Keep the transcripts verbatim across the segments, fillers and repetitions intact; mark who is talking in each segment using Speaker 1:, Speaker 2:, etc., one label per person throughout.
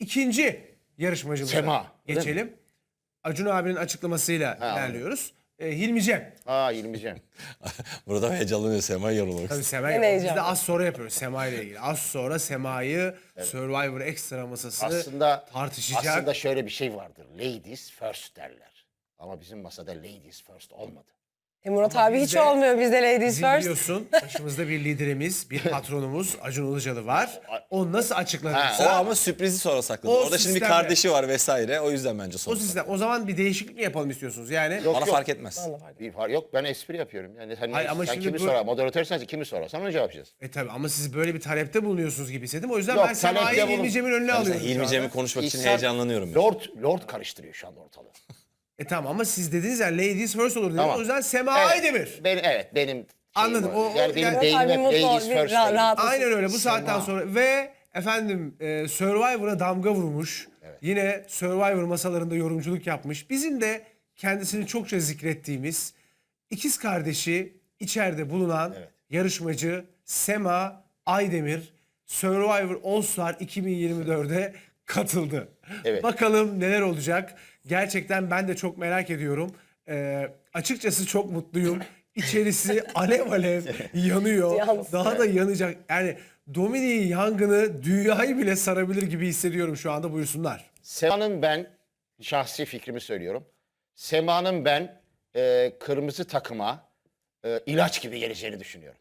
Speaker 1: ikinci yarışmacımıza
Speaker 2: Sema, öyle
Speaker 1: geçelim. Acun abinin açıklamasıyla
Speaker 2: Ha,
Speaker 1: ilerliyoruz. Ee, Hilmi Cem.
Speaker 2: Aa İlmican.
Speaker 3: Burada heyecanlanıyor Sema yorulmak.
Speaker 1: Tabii Sema.
Speaker 4: En
Speaker 1: Biz
Speaker 4: heyecanlı.
Speaker 1: de az sonra yapıyoruz Sema ile ilgili. Az sonra Sema'yı Survivor Extra masası
Speaker 2: Aslında
Speaker 1: tartışacak.
Speaker 2: aslında şöyle bir şey vardır. Ladies first derler. Ama bizim masada ladies first olmadı.
Speaker 4: E Murat
Speaker 1: Ama
Speaker 4: abi
Speaker 1: biz
Speaker 4: hiç
Speaker 1: de-
Speaker 4: olmuyor bizde ladies
Speaker 1: Bizi
Speaker 4: first.
Speaker 1: biliyorsun başımızda bir liderimiz, bir patronumuz Acun Ilıcalı var. O nasıl
Speaker 3: O
Speaker 1: açıklanırsa
Speaker 3: ama sürprizi sonra sakladı.
Speaker 1: O
Speaker 3: Orada şimdi bir
Speaker 1: sistemle-
Speaker 3: kardeşi var vesaire. O yüzden bence
Speaker 1: o
Speaker 3: sonra.
Speaker 1: sistem. O zaman bir değişiklik mi yapalım istiyorsunuz? Yani
Speaker 2: Yok,
Speaker 3: Bana
Speaker 2: yok.
Speaker 3: fark etmez.
Speaker 2: Bir far yok, ben espri yapıyorum. Yani sen,
Speaker 1: Hayır, ama
Speaker 2: sen
Speaker 1: şimdi
Speaker 2: kimi
Speaker 1: bu-
Speaker 2: sorar? Moderatör sensin, kimi sorarsan onu cevap yapacağız.
Speaker 1: e tabii ama siz böyle bir talepte bulunuyorsunuz gibi hissettim. O yüzden
Speaker 2: Yok,
Speaker 1: ben Sema'yı
Speaker 2: talepte bulun-
Speaker 1: Hilmi Cem'in önüne
Speaker 3: Ben
Speaker 1: alıyorum. şu
Speaker 3: Hilmi
Speaker 1: anda.
Speaker 3: Cem'i konuşmak için
Speaker 2: İhsan-
Speaker 3: heyecanlanıyorum. ben.
Speaker 2: Lord, Lord karıştırıyor şu anda ortalığı.
Speaker 1: E tamam ama siz dediniz ya ladies first olur dediniz.
Speaker 2: Tamam.
Speaker 1: O yüzden Sema
Speaker 2: Evet,
Speaker 1: Aydemir.
Speaker 2: Ben, evet benim şeyim
Speaker 1: Anladım.
Speaker 2: o.
Speaker 1: O- o-
Speaker 2: yani benim
Speaker 1: yani-
Speaker 2: beynim
Speaker 4: Murat abi
Speaker 2: hep
Speaker 4: mutlu ol,
Speaker 2: ladies
Speaker 4: bir
Speaker 2: first.
Speaker 4: ra-
Speaker 2: dedi.
Speaker 4: rahat olsun.
Speaker 1: Aynen öyle bu saatten
Speaker 2: Sema.
Speaker 1: sonra ve efendim e, Survivor'a damga vurmuş. Yine Survivor masalarında yorumculuk yapmış. Bizim de kendisini çokça zikrettiğimiz ikiz kardeşi içeride bulunan
Speaker 2: Evet.
Speaker 1: yarışmacı Sema Aydemir Survivor All Star iki bin yirmi dörde katıldı.
Speaker 2: Evet.
Speaker 1: Bakalım neler olacak. Gerçekten ben de çok merak ediyorum. E, açıkçası çok mutluyum. İçerisi alev alev yanıyor.
Speaker 4: Yalnız.
Speaker 1: Daha da yanacak. Yani Dominik'in yangını dünyayı bile sarabilir gibi hissediyorum şu anda. Buyursunlar.
Speaker 2: Sema'nın ben, şahsi fikrimi söylüyorum. Sema'nın ben e, kırmızı takıma e, ilaç gibi geleceğini düşünüyorum.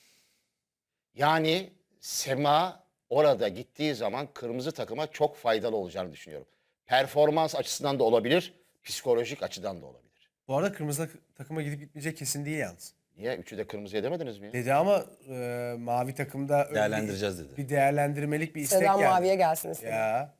Speaker 2: Yani Sema orada gittiği zaman kırmızı takıma çok faydalı olacağını düşünüyorum. Performans açısından da olabilir, psikolojik açıdan da olabilir.
Speaker 1: Bu arada kırmızı takıma gidip gitmeyecek kesin değil yalnız.
Speaker 2: Niye? Üçü de kırmızıya demediniz mi? ya?
Speaker 1: Dedi ama e, mavi takımda öyle
Speaker 3: Değerlendireceğiz
Speaker 1: bir,
Speaker 3: dedi.
Speaker 1: bir değerlendirmelik bir istek
Speaker 4: Sedan
Speaker 1: geldi.
Speaker 4: maviye gelsin istedim.
Speaker 1: Ya.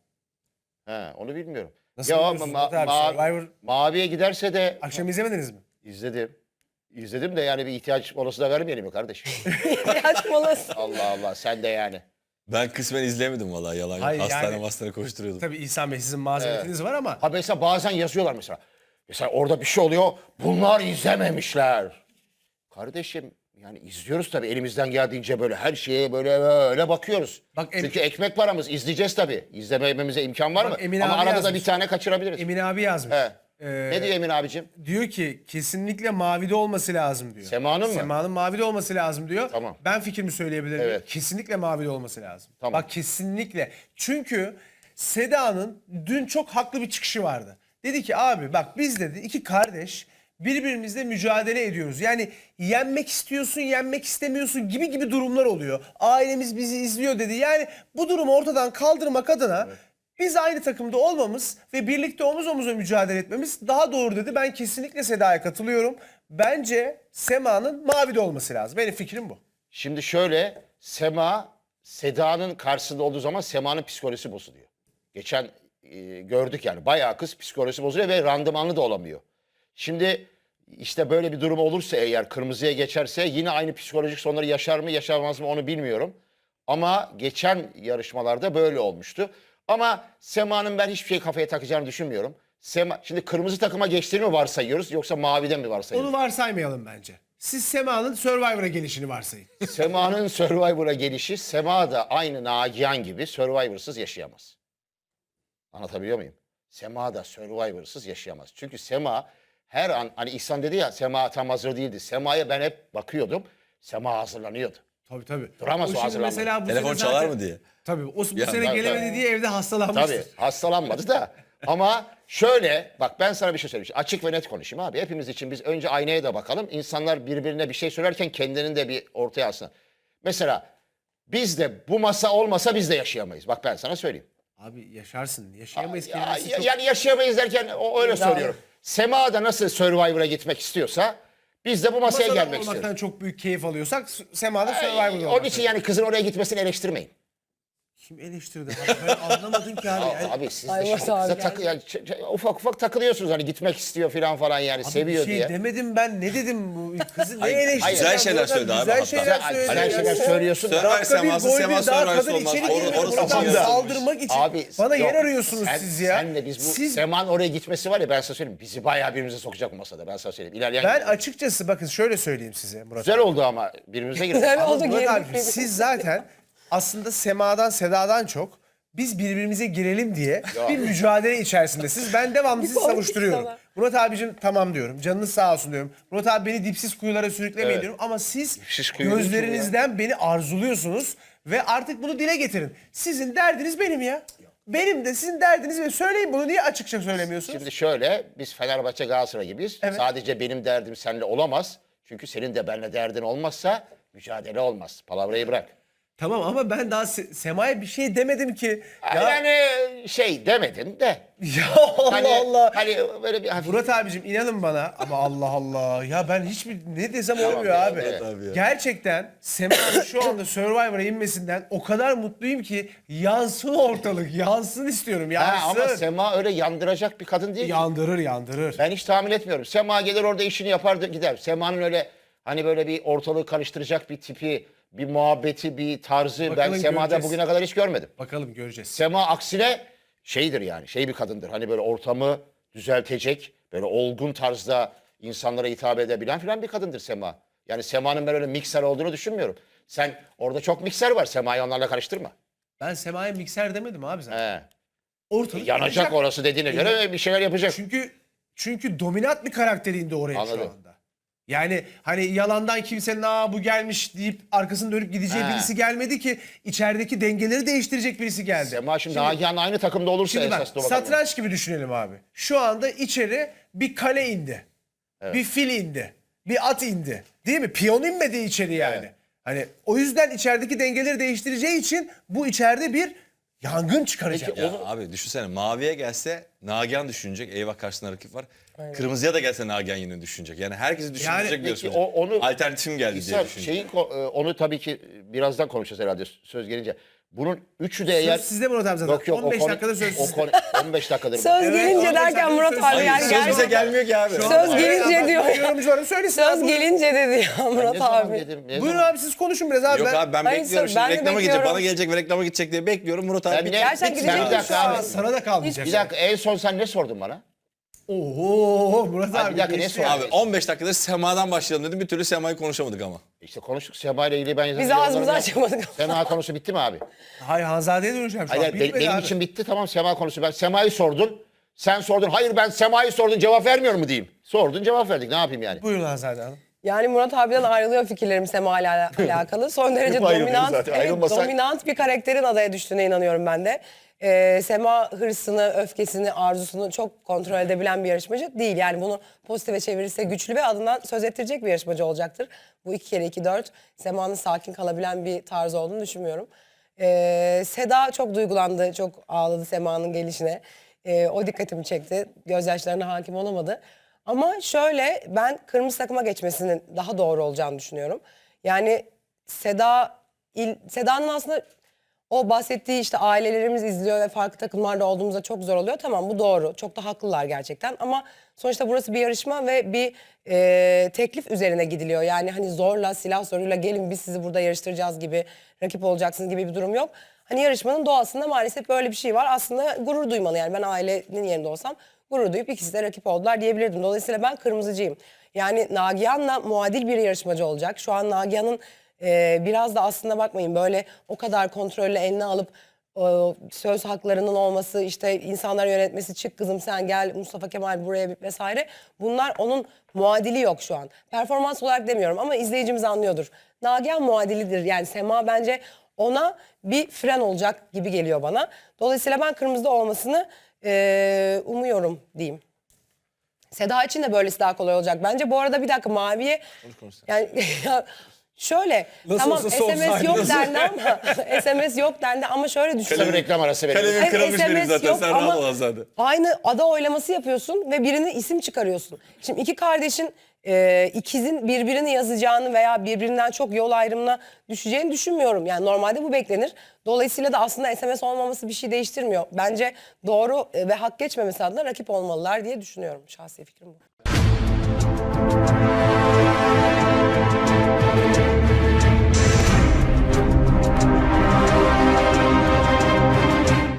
Speaker 2: He, onu bilmiyorum.
Speaker 1: Nasıl
Speaker 2: ya
Speaker 1: biliyorsun
Speaker 2: ma-
Speaker 1: Murat abi?
Speaker 2: ma-
Speaker 1: Survivor-
Speaker 2: maviye giderse de
Speaker 1: Akşam izlemediniz mi?
Speaker 2: izledim. İzledim de yani bir ihtiyaç molası da vermeyelim mi kardeşim?
Speaker 4: İhtiyaç molası.
Speaker 2: Allah Allah sen de yani.
Speaker 3: Ben kısmen izlemedim vallahi yalan yok.
Speaker 1: Hayır,
Speaker 3: Hastane
Speaker 1: yani-
Speaker 3: hastane koşturuyordum.
Speaker 1: Tabii İhsan Bey sizin mazeretiniz var ama
Speaker 2: Ha mesela bazen yazıyorlar mesela. Mesela orada bir şey oluyor. Bunlar izlememişler. Kardeşim yani izliyoruz tabii elimizden geldiğince böyle her şeye böyle böyle bakıyoruz.
Speaker 1: Bak, em-
Speaker 2: Çünkü ekmek paramız izleyeceğiz tabii. İzlememize imkan var
Speaker 1: Bak,
Speaker 2: mı?
Speaker 1: Emin
Speaker 2: Ama
Speaker 1: abi
Speaker 2: arada da
Speaker 1: yazmış.
Speaker 2: bir tane kaçırabiliriz.
Speaker 1: Emin abi yazmış.
Speaker 2: He.
Speaker 1: Ee,
Speaker 2: Ne diyor Emin abicim?
Speaker 1: Diyor ki kesinlikle mavide olması lazım diyor.
Speaker 2: Sema'nın mı?
Speaker 1: Sema'nın mavide olması lazım diyor.
Speaker 2: Tamam.
Speaker 1: Ben fikrimi söyleyebilir miyim?
Speaker 2: Evet.
Speaker 1: Kesinlikle mavide olması lazım.
Speaker 2: Tamam.
Speaker 1: Bak kesinlikle. Çünkü Seda'nın dün çok haklı bir çıkışı vardı. Dedi ki abi bak biz dedi iki kardeş birbirimizle mücadele ediyoruz. Yani yenmek istiyorsun, yenmek istemiyorsun gibi gibi durumlar oluyor. Ailemiz bizi izliyor dedi. Yani bu durumu ortadan kaldırmak adına biz aynı takımda olmamız ve birlikte omuz omuza mücadele etmemiz daha doğru dedi. Ben kesinlikle Seda'ya katılıyorum. Bence Sema'nın mavide olması lazım. Benim fikrim bu.
Speaker 2: Şimdi şöyle Sema Seda'nın karşısında olduğu zaman Sema'nın psikolojisi bozuluyor. Geçen e, gördük yani bayağı kız psikolojisi bozuluyor ve randımanlı da olamıyor. Şimdi işte böyle bir durum olursa eğer kırmızıya geçerse yine aynı psikolojik sonları yaşar mı yaşamaz mı onu bilmiyorum. Ama geçen yarışmalarda böyle olmuştu. Ama Sema'nın ben hiçbir şey kafaya takacağını düşünmüyorum. Sema, şimdi kırmızı takıma geçtiğini mi varsayıyoruz yoksa maviden mi varsayıyoruz?
Speaker 1: Onu varsaymayalım bence. Siz Sema'nın Survivor'a gelişini varsayın.
Speaker 2: Sema'nın Survivor'a gelişi, Sema da aynı Nagihan gibi Survivor'sız yaşayamaz. Anlatabiliyor muyum? Sema da Survivor'sız yaşayamaz. Çünkü Sema her an, hani İhsan dedi ya Sema tam hazır değildi. Sema'ya ben hep bakıyordum. Sema hazırlanıyordu.
Speaker 1: Tabii tabii.
Speaker 2: Duramaz o
Speaker 1: şimdi
Speaker 2: hazırlanmadı.
Speaker 1: mesela bu
Speaker 3: Telefon
Speaker 1: sene
Speaker 3: çalar
Speaker 1: zaten-
Speaker 3: mı diye.
Speaker 1: Tabii o bu
Speaker 3: Ya,
Speaker 1: sene
Speaker 3: tabii,
Speaker 1: gelemedi
Speaker 2: tabii.
Speaker 1: diye evde hastalanmıştır.
Speaker 2: Tabii hastalanmadı da. Ama şöyle bak ben sana bir şey söyleyeyim. Açık ve net konuşayım abi. Hepimiz için biz önce aynaya da bakalım. İnsanlar birbirine bir şey söylerken kendinin de bir ortaya alsın. Mesela biz de bu masa olmasa biz de yaşayamayız. Bak ben sana söyleyeyim.
Speaker 1: Abi yaşarsın. Yaşayamayız
Speaker 2: Ya,
Speaker 1: kelimesi
Speaker 2: ya-
Speaker 1: çok...
Speaker 2: yani yaşayamayız derken o öyle
Speaker 4: Bravo.
Speaker 2: söylüyorum. Sema da nasıl Survivor'a gitmek istiyorsa biz de bu masaya
Speaker 1: Masada
Speaker 2: gelmek
Speaker 1: olmaktan
Speaker 2: istiyoruz.
Speaker 1: çok büyük keyif alıyorsak Sema'da Survivor'da
Speaker 2: Ay,
Speaker 1: olmak.
Speaker 2: Onun için yani kızın oraya gitmesini eleştirmeyin.
Speaker 1: Kim eleştirdi? Abi ben anlamadım ki abi. Yani
Speaker 2: Abi siz de
Speaker 4: Ay,
Speaker 2: şimdi
Speaker 4: Murat abi
Speaker 2: kıza
Speaker 4: geldi.
Speaker 2: takı, yani ç- ç- ufak ufak takılıyorsunuz hani gitmek istiyor falan falan yani
Speaker 1: Abi
Speaker 2: seviyor
Speaker 1: bir şey
Speaker 2: diye.
Speaker 1: demedim ben. Ne dedim bu kızı? Ne
Speaker 3: Hayır,
Speaker 1: eleştirdi?
Speaker 3: güzel şeyler söyledi abi
Speaker 1: Güzel
Speaker 3: hatta.
Speaker 1: şeyler
Speaker 2: Güzel,
Speaker 1: söyledi.
Speaker 2: güzel şeyler söylüyorsun da.
Speaker 3: Survivor
Speaker 1: Dakika bir
Speaker 3: Sema'sı,
Speaker 1: gol
Speaker 3: Sema
Speaker 1: bir daha
Speaker 3: Survivor'sı
Speaker 1: kadın
Speaker 3: olmaz.
Speaker 1: içeri
Speaker 3: Or-
Speaker 1: girmiyor.
Speaker 3: orası
Speaker 1: Buradan
Speaker 3: için yazılmış.
Speaker 1: saldırmak için.
Speaker 2: Abi,
Speaker 1: Bana
Speaker 2: yok,
Speaker 1: yer arıyorsunuz
Speaker 2: sen-
Speaker 1: siz ya.
Speaker 2: Senle biz bu
Speaker 1: Siz,
Speaker 2: Sema'nın oraya gitmesi var ya ben sana söyleyeyim. Bizi bayağı birbirimize sokacak bu masada ben sana söyleyeyim. İlerleyen
Speaker 1: ben açıkçası bakın şöyle söyleyeyim size Murat
Speaker 2: güzel
Speaker 1: abi.
Speaker 2: oldu ama birbirimize girdik.
Speaker 4: Güzel
Speaker 1: Ama
Speaker 4: oldu
Speaker 1: Murat
Speaker 4: girdik
Speaker 1: abi,
Speaker 4: birbirimize.
Speaker 1: siz zaten aslında Sema'dan Seda'dan çok biz birbirimize girelim diye bir mücadele içerisindesiniz. Ben devamlı sizi
Speaker 4: korkunç
Speaker 1: savuşturuyorum.
Speaker 4: sana.
Speaker 1: Murat abicim tamam diyorum. Canınız sağ olsun diyorum. Murat abi beni dipsiz kuyulara sürüklemeyin
Speaker 2: Evet.
Speaker 1: diyorum. Ama siz
Speaker 2: Dipsiz kuyu değil ki
Speaker 1: gözlerinizden beni arzuluyorsunuz. Ve artık bunu dile getirin. Sizin derdiniz benim ya. Benim de sizin derdiniz ve söyleyin bunu, niye açıkça söylemiyorsunuz?
Speaker 2: Şimdi şöyle, biz Fenerbahçe Galatasaray gibiyiz.
Speaker 1: Evet.
Speaker 2: Sadece benim derdim seninle olamaz. Çünkü senin de benimle derdin olmazsa mücadele olmaz. Palavrayı bırak.
Speaker 1: Tamam ama ben daha Se- Sema'ya bir şey demedim ki. Ya,
Speaker 2: Yani şey demedin de.
Speaker 1: ya Allah
Speaker 2: Hani,
Speaker 1: Allah.
Speaker 2: Hani böyle bir hafif...
Speaker 1: Murat abicim inanın bana ama Allah Allah. Ya ben hiçbir ne desem olmuyor
Speaker 2: ya,
Speaker 1: abi.
Speaker 2: evet
Speaker 3: abi ya.
Speaker 1: Gerçekten Sema'nın şu anda Survivor'a inmesinden o kadar mutluyum ki yansın ortalık. Yansın istiyorum. Yansın.
Speaker 2: Ha, ama Sema öyle yandıracak bir kadın değil ki.
Speaker 1: Yandırır yandırır.
Speaker 2: Ben hiç tahmin etmiyorum. Sema gelir orada işini yapar da gider. Sema'nın öyle hani böyle bir ortalığı karıştıracak bir tipi, bir muhabbeti, bir tarzı ben
Speaker 1: Bakalım
Speaker 2: Sema'da
Speaker 1: göreceğiz.
Speaker 2: bugüne kadar hiç görmedim.
Speaker 1: Bakalım göreceğiz.
Speaker 2: Sema aksine şeydir yani, şey bir kadındır. Hani böyle ortamı düzeltecek, böyle olgun tarzda insanlara hitap edebilen filan bir kadındır Sema. Yani Sema'nın ben öyle mikser olduğunu düşünmüyorum. Sen orada çok mikser var, Sema'yı onlarla karıştırma.
Speaker 1: Ben Sema'ya mikser demedim abi zaten.
Speaker 2: He.
Speaker 1: Ortalık
Speaker 2: Yanacak
Speaker 1: yanacak.
Speaker 2: orası dediğine göre bir şeyler yapacak.
Speaker 1: Çünkü çünkü dominant bir karakteri indi oraya
Speaker 2: Anladım.
Speaker 1: şu anda. Yani hani yalandan kimsenin aa bu gelmiş deyip arkasını dönüp gideceği
Speaker 2: He.
Speaker 1: birisi gelmedi ki, içerideki dengeleri değiştirecek birisi geldi.
Speaker 2: Sema şimdi, Nagihan'la aynı takımda olursa
Speaker 1: Şimdi bak
Speaker 2: esas da o bakalım.
Speaker 1: satranç gibi düşünelim abi. Şu anda içeri bir kale indi. Bir fil indi. Bir at indi. Değil mi? Piyon inmedi içeri yani.
Speaker 2: Evet.
Speaker 1: Hani o yüzden içerideki dengeleri değiştireceği için bu içeride bir yangın çıkaracak.
Speaker 2: Peki,
Speaker 3: Ya abi düşünsene, maviye gelse Nagihan düşünecek. Eyvah, karşısında rakip var. Kırmızıya da gelse Nagihan yine düşünecek. Yani herkesi düşünecek
Speaker 1: Yani
Speaker 3: diyorsun.
Speaker 2: peki o- onu-
Speaker 3: Alternatifim geldi diye
Speaker 2: İsa,
Speaker 3: düşünecek.
Speaker 2: şeyin ko- e, onu tabii ki birazdan konuşacağız herhalde söz gelince. Bunun üçü de eğer...
Speaker 1: Söz sizde Murat abi zaten.
Speaker 2: Yok yok
Speaker 1: on beş
Speaker 2: o konu,
Speaker 1: dakikada söz
Speaker 2: o
Speaker 1: sizde.
Speaker 2: konu on beş dakikadır. bu.
Speaker 4: Söz
Speaker 1: Evet,
Speaker 4: gelince
Speaker 1: on beş
Speaker 4: derken
Speaker 1: dakika
Speaker 4: Murat
Speaker 1: söz-
Speaker 4: abi
Speaker 1: Hayır,
Speaker 4: yani
Speaker 3: Söz
Speaker 4: gel-
Speaker 3: bize gelmiyor ki abi.
Speaker 1: Şu
Speaker 4: Söz
Speaker 1: anda-
Speaker 4: gelince
Speaker 1: Evet,
Speaker 4: diyor.
Speaker 1: Yorumcuların söylesin.
Speaker 4: Söz
Speaker 1: abi.
Speaker 4: gelince dedi ya
Speaker 2: Ne
Speaker 4: Murat
Speaker 2: zaman
Speaker 4: abi.
Speaker 2: dedim? Ne
Speaker 1: Buyurun
Speaker 2: zaman?
Speaker 1: abi siz konuşun biraz abi.
Speaker 3: Yok
Speaker 1: ben...
Speaker 3: abi ben
Speaker 4: Hayır,
Speaker 3: bekliyorum.
Speaker 4: söz-
Speaker 3: Şimdi
Speaker 4: ben de
Speaker 3: reklama gidecek,
Speaker 4: bekliyorum.
Speaker 3: bana gelecek ve reklama gidecek diye bekliyorum. Murat abi
Speaker 2: Ben
Speaker 3: bir-
Speaker 2: ne-
Speaker 4: Gerçekten
Speaker 2: bir-
Speaker 4: gidecek
Speaker 2: bir
Speaker 4: mi
Speaker 2: dakika
Speaker 4: şu
Speaker 2: abi.
Speaker 4: an?
Speaker 1: Sana da kalmayacak.
Speaker 2: Bir dakika en son sen ne sordun bana?
Speaker 1: Oho Murat
Speaker 2: Abi
Speaker 1: abi.
Speaker 2: bir dakika, ne
Speaker 1: geçti
Speaker 2: sor-
Speaker 1: ya.
Speaker 3: Abi on beş dakikadır Sema'dan başlayalım dedim. Bir türlü Sema'yı konuşamadık ama.
Speaker 2: İşte konuştuk Sema ile ilgili ben yazan
Speaker 4: Biz
Speaker 2: yorumlarımı
Speaker 4: ağzımızı
Speaker 2: yaptım.
Speaker 4: açamadık.
Speaker 2: Sema konusu bitti mi abi?
Speaker 1: Hayır Hanzade'ye döneceğim şu
Speaker 2: Hayır,
Speaker 1: an.
Speaker 2: be-
Speaker 1: Bitmedi
Speaker 2: benim
Speaker 1: abi.
Speaker 2: için bitti tamam Sema konusu. Ben Sema'yı sordun. Sen sordun. Hayır ben Sema'yı sordun cevap vermiyor mu diyeyim. Sordun cevap verdik ne yapayım yani.
Speaker 1: Buyurun Hanzade Hanım.
Speaker 4: Yani Murat abiden ayrılıyor fikirlerim Sema ile ala- alakalı. Son derece
Speaker 2: Hep ayrılıyor
Speaker 4: dominant,
Speaker 2: zaten.
Speaker 4: evet,
Speaker 2: Ayrılmasa-
Speaker 4: dominant bir karakterin adaya düştüğüne inanıyorum ben de. Ee, Sema hırsını, öfkesini, arzusunu çok kontrol edebilen bir yarışmacı değil. Yani bunu pozitife çevirirse güçlü ve adından söz ettirecek bir yarışmacı olacaktır. Bu iki kere iki dört Sema'nın sakin kalabilen bir tarzı olduğunu düşünmüyorum. Ee, Seda çok duygulandı, çok ağladı Sema'nın gelişine. Ee, o dikkatimi çekti. Gözyaşlarına hakim olamadı. Ama şöyle ben kırmızı takıma geçmesinin daha doğru olacağını düşünüyorum. Yani Seda il, Seda'nın aslında o bahsettiği işte ailelerimiz izliyor ve farklı takımlarda olduğumuzda çok zor oluyor. Tamam bu doğru. Çok da haklılar gerçekten. Ama sonuçta burası bir yarışma ve bir e, teklif üzerine gidiliyor. Yani hani zorla, silah zoruyla gelin biz sizi burada yarıştıracağız gibi, rakip olacaksınız gibi bir durum yok. Hani yarışmanın doğasında maalesef böyle bir şey var. Aslında gurur duymalı yani ben ailenin yerinde olsam gurur duyup ikisi de rakip oldular diyebilirdim. Dolayısıyla ben kırmızıcıyım. Yani Nagihan'la muadil bir yarışmacı olacak. Şu an Nagihan'ın e, biraz da aslında bakmayın böyle o kadar kontrollü eline alıp e, söz haklarının olması, işte insanları yönetmesi, çık kızım sen gel Mustafa Kemal buraya vesaire. Bunlar onun muadili yok şu an. Performans olarak demiyorum ama izleyicimiz anlıyordur. Nagihan muadilidir yani Sema bence ona bir fren olacak gibi geliyor bana. Dolayısıyla ben kırmızıda olmasını e, umuyorum diyeyim. Seda için de böylesi daha kolay olacak. Bence bu arada bir dakika maviye yani ya şöyle
Speaker 1: Nasıl
Speaker 4: tamam
Speaker 1: olsa
Speaker 4: S M S yok
Speaker 1: soğusaydınız.
Speaker 4: dendi ama S M S yok dendi ama şöyle düşün.
Speaker 2: Kısa bir reklam arası verelim.
Speaker 3: Kalemim
Speaker 4: Hayır,
Speaker 3: kırılmış
Speaker 4: S M S
Speaker 3: benim zaten.
Speaker 4: yok
Speaker 3: Sen
Speaker 4: ama
Speaker 3: rahat ol Azade.
Speaker 4: Aynı ada oylaması yapıyorsun ve birini isim çıkarıyorsun. Şimdi iki kardeşin e, ikizin birbirini yazacağını veya birbirinden çok yol ayrımına düşeceğini düşünmüyorum. Yani normalde bu beklenir. Dolayısıyla da aslında S M S olmaması bir şey değiştirmiyor. Bence doğru e, ve hak geçmemesi adına rakip olmalılar diye düşünüyorum. Şahsi fikrim bu.